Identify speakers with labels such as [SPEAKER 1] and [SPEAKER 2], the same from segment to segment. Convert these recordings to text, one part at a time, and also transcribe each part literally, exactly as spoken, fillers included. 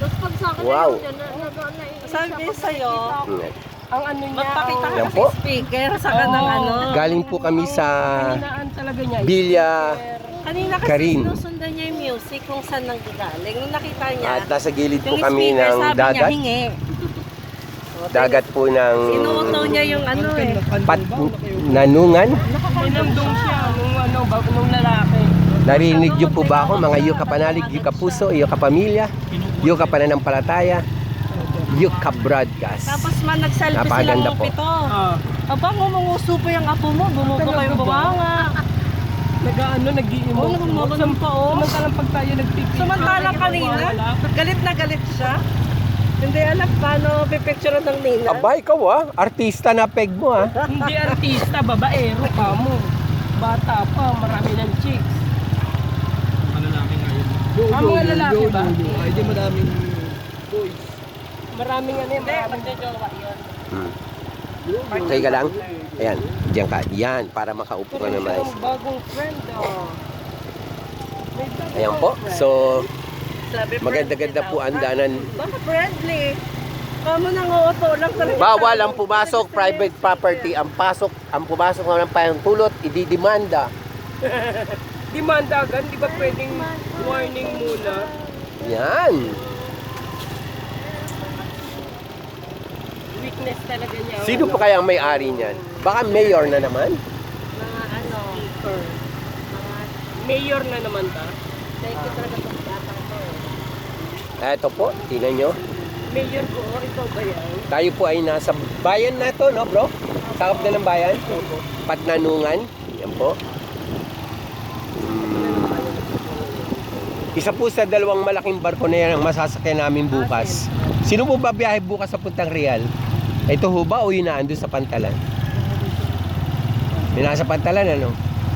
[SPEAKER 1] Tapos pag sa akin,
[SPEAKER 2] Wow.
[SPEAKER 3] Sabi sa'yo, ang ano niya, magpakita
[SPEAKER 2] Yan
[SPEAKER 3] ka
[SPEAKER 2] po.
[SPEAKER 3] sa speaker, saka ng ano.
[SPEAKER 2] Galing po kami sa
[SPEAKER 3] Kaninaan talaga niya.
[SPEAKER 2] Bilya
[SPEAKER 3] Kanina kasi
[SPEAKER 2] Karin.
[SPEAKER 3] sinusundan niya yung music kung saan nang galing. Nung nakita niya,
[SPEAKER 2] at nasa gilid po
[SPEAKER 3] yung
[SPEAKER 2] kami
[SPEAKER 3] speaker,
[SPEAKER 2] ng
[SPEAKER 3] sabi niya,
[SPEAKER 2] dagat.
[SPEAKER 3] hingi.
[SPEAKER 2] Dagat po ng
[SPEAKER 3] Sinuto niya yung ano eh.
[SPEAKER 2] Pat Nanungan.
[SPEAKER 3] Pinamdong siya nung ano, bago nung lalaki.
[SPEAKER 2] Narinig niyo po ba ako mga yuka panalig, yuka puso, yuka pamilya, yuka pananampalataya, yuka broadcast.
[SPEAKER 3] Tapos man nag-selfie
[SPEAKER 2] Napakaganda
[SPEAKER 3] silang
[SPEAKER 2] po.
[SPEAKER 3] pito. Aba, ngumunguso po yung apo mo, bumubo kayo bumanga.
[SPEAKER 4] Nag-ano, nag-i-emote.
[SPEAKER 3] Oo, nagmamagan pa oh.
[SPEAKER 4] Samantalang pag tayo nagpipicture.
[SPEAKER 3] Samantalang kanina, galit na galit siya. Hindi alam paano pipicture ng nina.
[SPEAKER 2] Aba, ikaw ah, artista na peg mo ah.
[SPEAKER 4] Hindi artista, babaero ka mo. Bata pa, marami ng chicks.
[SPEAKER 5] Malalaki ngayon.
[SPEAKER 4] Ah, mga lalaki ba?
[SPEAKER 5] Ay, di madaming boys.
[SPEAKER 4] Maraming ano yun,
[SPEAKER 3] Hindi,
[SPEAKER 4] maraming
[SPEAKER 3] magjojowa yun.
[SPEAKER 2] Hmm. Okay ka lang? Ayan, diyan ka. Yan, para makaupo ka naman.
[SPEAKER 4] Ang bagong friend, oh. May bagong
[SPEAKER 2] Ayan po.
[SPEAKER 4] friend.
[SPEAKER 2] So,
[SPEAKER 3] Sabi,
[SPEAKER 2] maganda-ganda
[SPEAKER 3] friendly
[SPEAKER 2] po
[SPEAKER 3] daw.
[SPEAKER 2] ang danan.
[SPEAKER 3] Baka friendly. Kamo nang uuto lang talaga.
[SPEAKER 2] Bawal ang pumasok private property. Ang pasok, ang pumasok ng pahintulot, ididimanda.
[SPEAKER 4] Demanda agad, di ba pwedeng warning muna?
[SPEAKER 2] Yan.
[SPEAKER 4] Weakness talaga niya.
[SPEAKER 2] Sino pa kaya ang may-ari niyan? Baka mayor na naman?
[SPEAKER 3] Mga ano,
[SPEAKER 4] Speaker. Mayor na naman ta.
[SPEAKER 3] thank you talaga sa batang to.
[SPEAKER 2] Eto po, tingnan nyo.
[SPEAKER 4] Mayor ko, oh, ikaw ba yan?
[SPEAKER 2] Tayo po ay nasa bayan na to, no bro? Sakop na ng bayan? Patnanungan. Yan po. Hmm. Isa po sa dalawang malaking barko na yan ang masasakyan namin bukas. Sino po ba biyahe bukas sa Puntang Real? Ito ho ba o yun na ando sa Pantalan? May nasa Pantalan ano?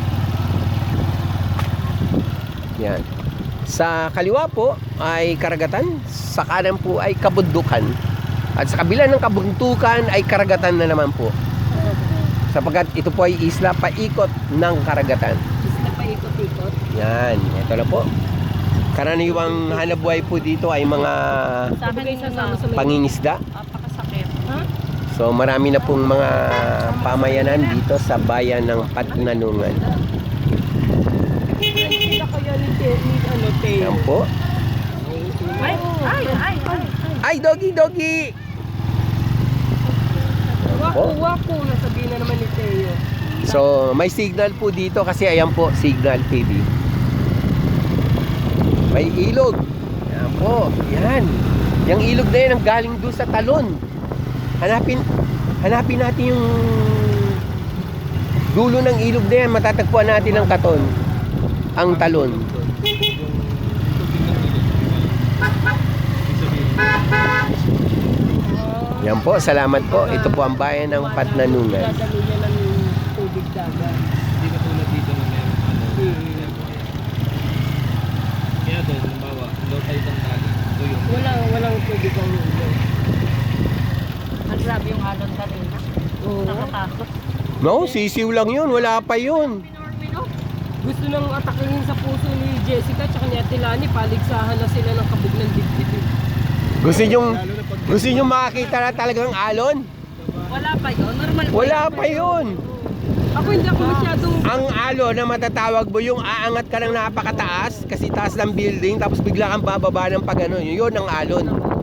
[SPEAKER 2] Yan. Sa kaliwa po ay karagatan, sa kanan po ay kabundukan. At sa kabila ng kabundukan ay karagatan na naman po. Sapagkat ito po ay isla paikot ng karagatan.
[SPEAKER 4] Isla pa ikot-ikot.
[SPEAKER 2] Yan, ito na po. Karaniwang hanapbuhay po dito ay mga
[SPEAKER 3] Sa akin yung
[SPEAKER 4] Sasama sa may...
[SPEAKER 2] pangingisda.
[SPEAKER 3] Napakasakit. Ha?
[SPEAKER 2] So marami na pong mga pamayanan dito sa bayan ng Patnanungan.
[SPEAKER 4] Hindi kaya ni, Te- ni ano, Teo.
[SPEAKER 2] Yan po.
[SPEAKER 3] Ay, ay, ay, ay.
[SPEAKER 2] Ay, doggy, doggy!
[SPEAKER 4] Waku, waku, nasabihin na naman ni Teo.
[SPEAKER 2] So, may signal po dito kasi ayan po, Signal T V. May ilog. Yan po, yan. Yung ilog na yan ang galing doon sa talon. Hanapin, hanapin natin yung dulo ng ilog na yan. Matatagpuan natin ang katon. Ang talon. Yan po, salamat po. Ito po ang bayan ng Patnanungan.
[SPEAKER 4] Dadalo niya ng tubig dagat.
[SPEAKER 5] Hindi ka tulad dito na meron ano.
[SPEAKER 4] Hmm.
[SPEAKER 5] Kaya doon, halimbawa, low tide ang dagat. Ito yung
[SPEAKER 4] Walang, walang tubig ang ulo.
[SPEAKER 3] Ang grabe yung alon kanina.
[SPEAKER 4] Oo.
[SPEAKER 3] Nakatakot.
[SPEAKER 2] No, sisiw lang yun. Wala pa yun.
[SPEAKER 4] Gusto nang atakihin sa puso ni Jessica tsaka ni Ate Lani, paligsahan na sila ng kabog ng dibdib.
[SPEAKER 2] Gusto nyo, gusto nyo makakita na talagang alon?
[SPEAKER 3] Wala pa yun. Normal pa
[SPEAKER 2] Wala
[SPEAKER 3] yun.
[SPEAKER 2] pa yun.
[SPEAKER 4] Ako hindi ako masyadong...
[SPEAKER 2] Ang alon na matatawag mo yung aangat ka ng napakataas kasi taas ng building tapos bigla kang bababa ng pag ano, yun ang alon.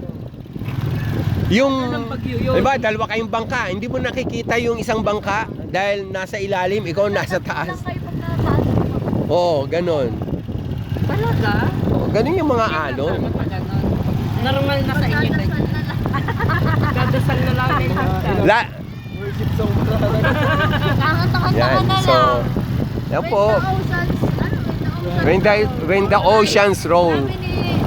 [SPEAKER 2] Yung,
[SPEAKER 4] Anong bagyo yun?
[SPEAKER 2] diba, dalawa kayong bangka, hindi mo nakikita yung isang bangka dahil nasa ilalim, ikaw nasa taas. Oo, ganon.
[SPEAKER 3] Talaga?
[SPEAKER 2] Oo, ganon yung mga alon.
[SPEAKER 3] Normal na sa inyo. eh.
[SPEAKER 4] Dadasal na lang yung hashtag.
[SPEAKER 2] La,
[SPEAKER 5] worship song.
[SPEAKER 2] yan, so, yan po. When the, when the oceans roll.
[SPEAKER 1] Sabi ni